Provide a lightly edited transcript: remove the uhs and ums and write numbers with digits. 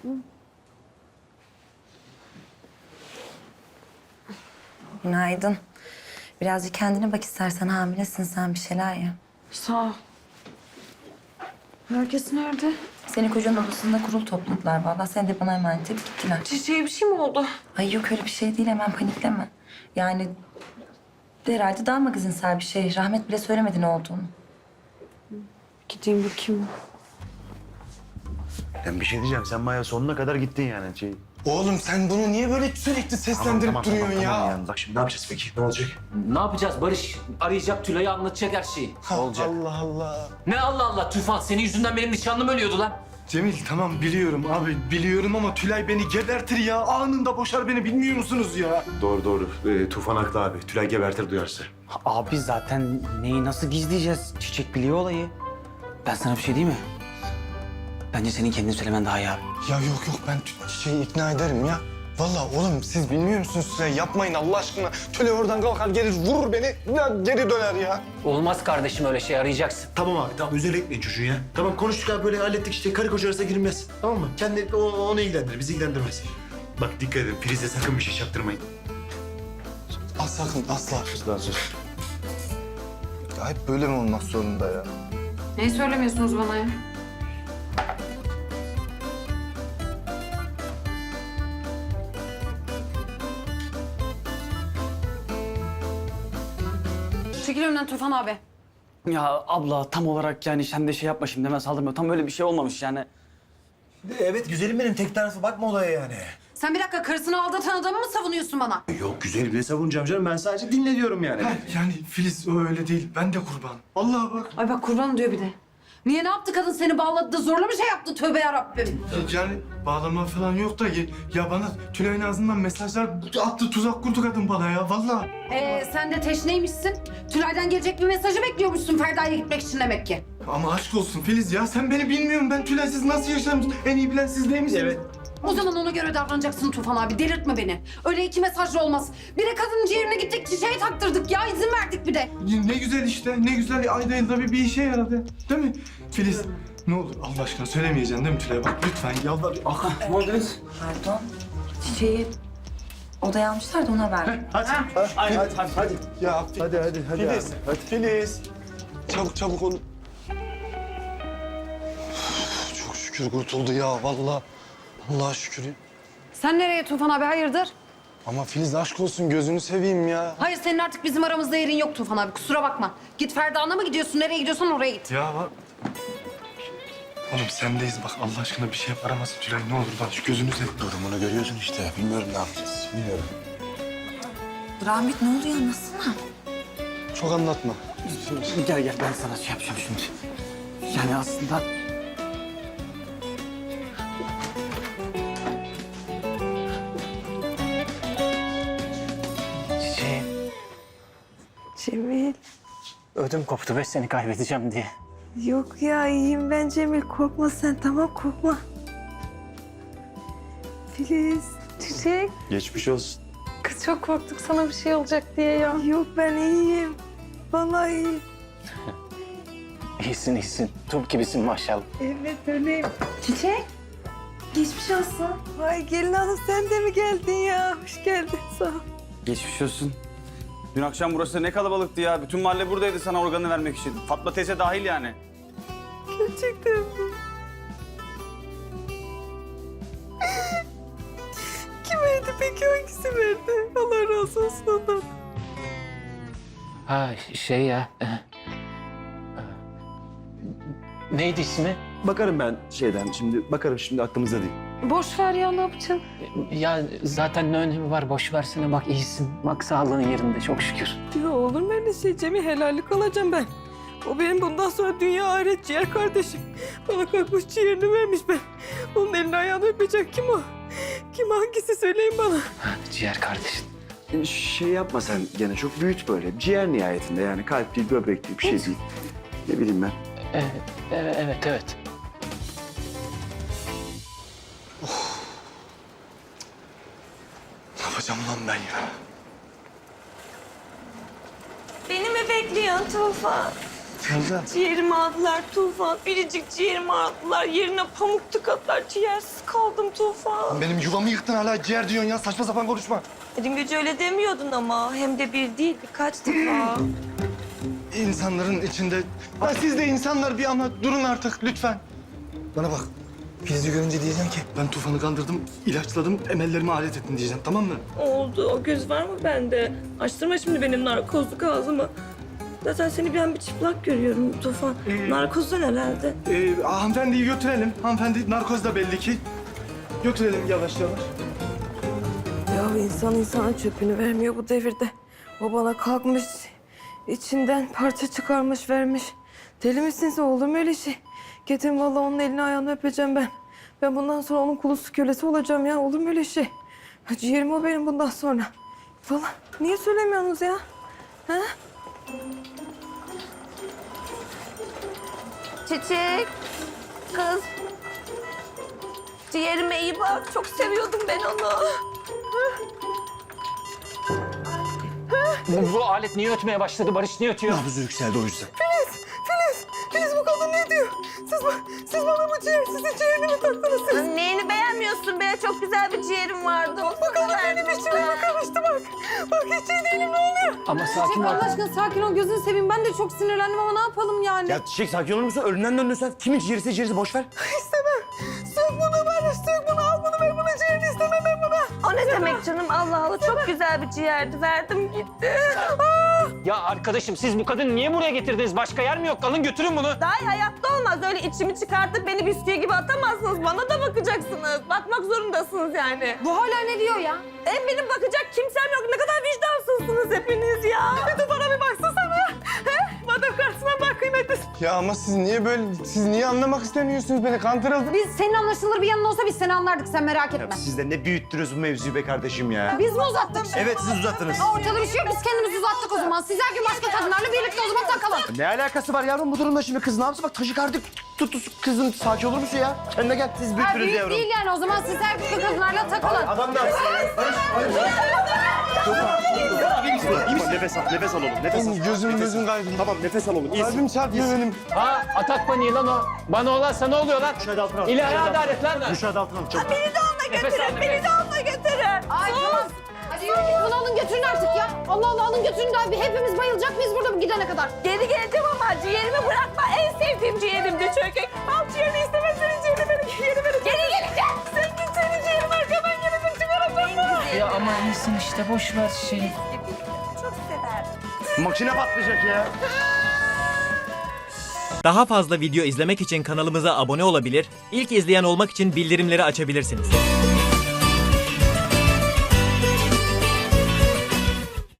Günaydın. Birazcık kendine bak istersen, hamilesin sen, bir şeyler ye. Sağ ol. Herkes nerede? Seni kocanın odasında kurul topladılar vallahi. Seni de bana emanet edip gittiler. Çiçeğe bir şey mi oldu? Ay yok öyle bir şey değil, hemen panikleme. Yani herhalde daha magazinsel bir şey. Rahmet bile söylemedi ne olduğunu. Gideyim bakayım. Ben bir şey diyeceğim. Sen bayağı sonuna kadar gittin yani. Oğlum sen bunu niye böyle sürekli seslendirip duruyorsun ya? yani. Bak şimdi ne yapacağız peki? Ne olacak? Ne yapacağız? Barış arayacak Tülay'ı, anlatacak her şeyi. olacak? Allah Allah. Ne Allah Allah Tufan, senin yüzünden benim nişanlım ölüyordu lan. Cemil tamam biliyorum abi biliyorum ama Tülay beni gebertir ya. Anında boşar beni bilmiyor musunuz ya? Doğru. Tufan haklı abi. Tülay gebertir duyarsa. Abi zaten neyi nasıl gizleyeceğiz? Çiçek biliyor olayı. Ben sana bir şey diyeyim mi? Bence senin kendin söylemen daha iyi abi. Ya yok ben Çiçeği ikna ederim ya. Vallahi oğlum siz bilmiyor musunuz Tülay? Yapmayın Allah aşkına. Tülay oradan kalkar gelir vurur beni. Ya geri döner ya. Olmaz kardeşim, öyle şey, arayacaksın. Tamam abi tamam. Üzerine etmeyin çocuğu ya. Tamam konuştuk abi böyle hallettik işte. Karı koca arasına girilmez. Tamam mı? Kendi onu ilgilendirir. Bizi ilgilendirmez. Bak dikkat edin. Prize sakın bir şey çaktırmayın. Sakın asla. Lan sus. Ya hep böyle mi olmak zorunda ya? Neyi söylemiyorsunuz bana ya? Çekil önümden Tufan abi. Ya abla tam olarak yani sen de şey yapma şimdi hemen saldırma. Tam öyle bir şey olmamış yani. Evet güzelim benim. Tek tarafı bakma olaya yani. Sen bir dakika karısını aldatan adamı mı savunuyorsun bana? Yok güzelim ne savunacağım canım. Ben sadece dinle diyorum yani. Yani Filiz o öyle değil. Ben de kurban. Vallahi bak. Ay bak kurban diyor bir de. Niye ne yaptı kadın seni bağladı da zorla bir şey yaptı tövbe yarabbim. Yani bağlama falan yok da ya bana Tülay'ın ağzından mesajlar attı, tuzak kurdu kadın bana ya vallahi. Sen de teşneymişsin. Tülay'dan gelecek bir mesajı bekliyormuşsun Ferda'ya gitmek için demek ki. Ama aşk olsun Filiz ya sen beni bilmiyorsun. Ben Tülay'sız nasıl yaşarım? En iyi bilen siz değil misiniz? Evet. O zaman ona göre davranacaksın Tufan abi. Delirtme beni. Öyle iki mesajla olmaz. Bir de kadının ciğerine gittik çiçeği taktırdık ya. İzin verdik bir de. Ne güzel işte, ne güzel ayda yılda bir işe yaradı. Değil mi? Filiz ne olur Allah aşkına söylemeyeceksin değil mi Tülay? Bak lütfen yalvar. Pardon. Çiçeği odaya almışlar da ona haber ver. Hadi. Ya hadi. Filiz, Filiz. Çabuk onu. Çok şükür kurtuldu ya vallahi. Allah'a şükür. Sen nereye Tufan abi hayırdır? Ama Filiz aşk olsun gözünü seveyim ya. Hayır senin artık bizim aramızda yerin yok Tufan abi. Kusura bakma. Git Ferda'na mı gidiyorsun? Nereye gidiyorsan oraya git. Ya bak. Oğlum sendeyiz bak Allah aşkına bir şey yaparamazsın Tülay ne olur bak şu gözünü seveyim. Durumunu görüyorsun işte. Bilmiyorum ne yapacağız. Bilmiyorum. Rahmet ne oluyor, anlatsana. Çok anlatma. Gel ben sana şey yapacağım şimdi. Yani aslında... Çiçeğim. Cemil. Ödüm koptu ve seni kaybedeceğim diye. Yok ya iyiyim ben Cemil. Korkma sen tamam korkma. Filiz, Çiçek. Geçmiş olsun. Kız çok korktuk sana bir şey olacak diye ya. Yok ben iyiyim. Vallahi iyiyim. İyisin. Turp gibisin maşallah. Evet öyleyim. Çiçek, geçmiş olsun. Vay gelin hanım sen de mi geldin ya? Hoş geldin sağ ol. Geçmiş olsun. Dün akşam burası ne kalabalıktı ya. Bütün mahalle buradaydı sana organı vermek için. Fatma teyze dahil yani. Gerçekten mi? Kim verdi peki hangisi verdi? Allah razı olsun ondan. Ha şey ya. Neydi ismi? Bakarım ben şeyden şimdi. Bakarım şimdi aklımızda değil. Boş ver ya ne yapacaksın? Ya zaten ne önemi var, boş versene, bak iyisin. Bak sağlığın yerinde çok şükür. Ya olur mu öyle şey Cemil? Helallik alacağım ben. O benim bundan sonra dünya ahiret ciğer kardeşim. Bana kalkmış ciğerini vermiş ben. Onun elini ayağını öpecek kim o? Kim hangisi söyleyin bana. Ciğer kardeşin. Şey yapma sen gene çok büyüt böyle. Ciğer nihayetinde yani kalp değil, böbrek değil bir şey değil. Ne bileyim ben. Evet. Ne yapacağım lan ben ya? Beni mi bekliyorsun Tufan? Feyza. Ciğerimi aldılar Tufan. Biricik ciğerimi aldılar. Yerine pamuk tıkadılar. Ciğersiz kaldım Tufan. Benim yuvamı yıktın hala ciğer diyorsun ya. Saçma sapan konuşma. Dün gece öyle demiyordun ama. Hem de bir değil birkaç defa. İnsanların içinde... Ya siz de insanlar bir ama durun artık lütfen. Bana bak. Filiz'i görünce diyeceğim ki ben Tufan'ı kandırdım, ilaçladım, emellerime alet ettim diyeceğim, tamam mı? Oldu. O göz var mı bende? Açtırma şimdi benim narkozluk ağzımı. Zaten seni bir an bir çıplak görüyorum Tufan. Narkozdan herhalde. Hanımefendiyi götürelim. Hanımefendi narkozda belli ki. Götürelim yavaş yavaş. Ya insan insana çöpünü vermiyor bu devirde. O bana kalkmış, içinden parça çıkarmış vermiş. Deli misin sen, olur mu öyle şey? Getirin vallahi onun elini ayağını öpeceğim ben. Ben bundan sonra onun kulusu kölesi olacağım ya, olur mu öyle şey? Ciğerim o benim bundan sonra. Falan. Niye söylemiyorsunuz ya? Ha? Çiçek, kız. Ciğerime iyi bak. Çok seviyordum ben onu. Bu alet niye ötmeye başladı? Barış niye ötüyor? Nabzı yükseldi o yüzden. Filiz bu kadın ne diyor? Siz bana bu ciğersizin ciğerini mi taktınız siz? Neyini beğenmiyorsun be? Çok güzel bir ciğerim vardı. Bu kadın benim içime karıştı bak. Bak hiç iyi değilim, ne oluyor? Ama sakin Çiçek ol. Allah aşkına sakin ol, gözünü seveyim. Ben de çok sinirlendim ama ne yapalım yani? Ya Çiçek sakin olur musun? Ölümden döndün sen. Kimin ciğerisi ciğerisi boş ver. İstemem. Sök bunu Barış, sök bunu. Al bunu ver, buna ciğerini istemem ben buna. O ne demek canım? Allah Allah, çok güzel bir ciğerdi. Verdim gitti. Ya arkadaşım siz bu kadını niye buraya getirdiniz? Başka yer mi yok? Alın götürün bunu. Daha hayatta olmaz. Öyle içimi çıkartıp beni bisküvi gibi atamazsınız. Bana da bakacaksınız. Bakmak zorundasınız yani. Bu hala ne diyor ya? Benim bakacak kimsem yok. Ne kadar vicdansızsınız hepiniz ya. Bir de bana bir baksana. He? Madem karşısına bak kıymetli. Ya ama siz niye böyle, siz niye anlamak istemiyorsunuz beni? Kandırıldım. Biz senin anlaşılır bir yanın olsa biz seni anlardık, sen merak etme. Siz de ne büyüttünüz bu mevzuyu be kardeşim ya. Biz mi uzattık? Evet siz uzattınız. Ortada bir şey yok, biz kendimiz uzattık o zaman. Siz her gün başka kadınlarla birlikte o zaman takalım. Ne alakası var yavrum bu durumda şimdi? Kız ne yapsın? Bak taşikardi tuttu kızım. Sakin olur musun ya? Kendine gel. Siz Ha, büyüttünüz büyük yavrum. değil yani, o zaman siz her gün kadınlarla takılın. Adam ne yapsın? Nefes al, nefes al oğlum. Nefes al. Gözüm kaybım. Tamam, nefes al oğlum. İyisin. Kalbim çarpıyor benim. Ha atak paniği lan o. Bana olansa ne oluyor lan? Müşahede altına al. İlahi adalet lan. Müşahede altına al. Çabuk. Beni de onunla götürün. Beni de onunla götürün. Ay tamam. Hadi yürü git, bunu alın götürün artık ya. Allah Allah, alın götürün de abi. Hepimiz bayılacak mıyız burada gidene kadar? Geri geleceğim ama ciğerimi bırakma. En sevdiğim ciğerimdi çünkü. Al ciğerini, istemem senin ciğerini, benim ciğerini. Geri geleceğim. Sen git, senin ciğerini arkadan gelip çıkaracağım. Ya ama iyisin işte boş ver şey. Çok sever. Makine patlayacak ya. Daha fazla video izlemek için kanalımıza abone olabilir, ilk izleyen olmak için bildirimleri açabilirsiniz.